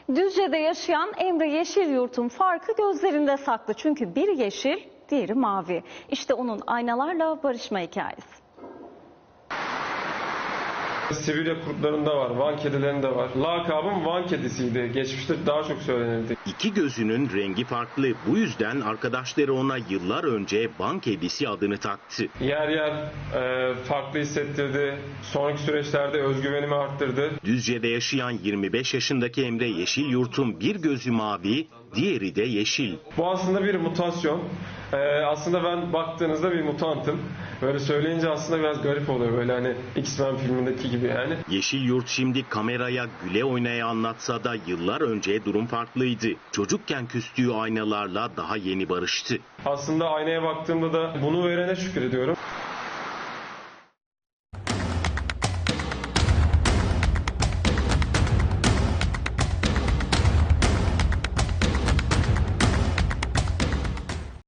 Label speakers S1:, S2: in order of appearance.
S1: Düzce'de yaşayan Emre Yeşilyurt'un farkı gözlerinde saklı. Çünkü biri yeşil, diğeri mavi. İşte onun aynalarla barışma hikayesi.
S2: Sibirya kurtlarında var, Van kedilerinde var. Lakabım Van kedisiydi. Geçmişte daha çok söylenirdi.
S3: İki gözünün rengi farklı. Bu yüzden arkadaşları ona yıllar önce Van kedisi adını taktı.
S2: Yer yer farklı hissettirdi. Sonraki süreçlerde özgüvenimi arttırdı.
S3: Düzce'de yaşayan 25 yaşındaki Emre Yeşilyurt'un bir gözü mavi, diğeri de yeşil.
S2: Bu aslında bir mutasyon. Aslında ben baktığınızda bir mutantım. Böyle söyleyince aslında biraz garip oluyor. Böyle hani X-Men filmindeki gibi yani.
S3: Yeşilyurt şimdi kameraya güle oynaya anlatsa da yıllar önce durum farklıydı. Çocukken küstüğü aynalarla daha yeni barıştı.
S2: Aslında aynaya baktığımda da bunu verene şükür ediyorum.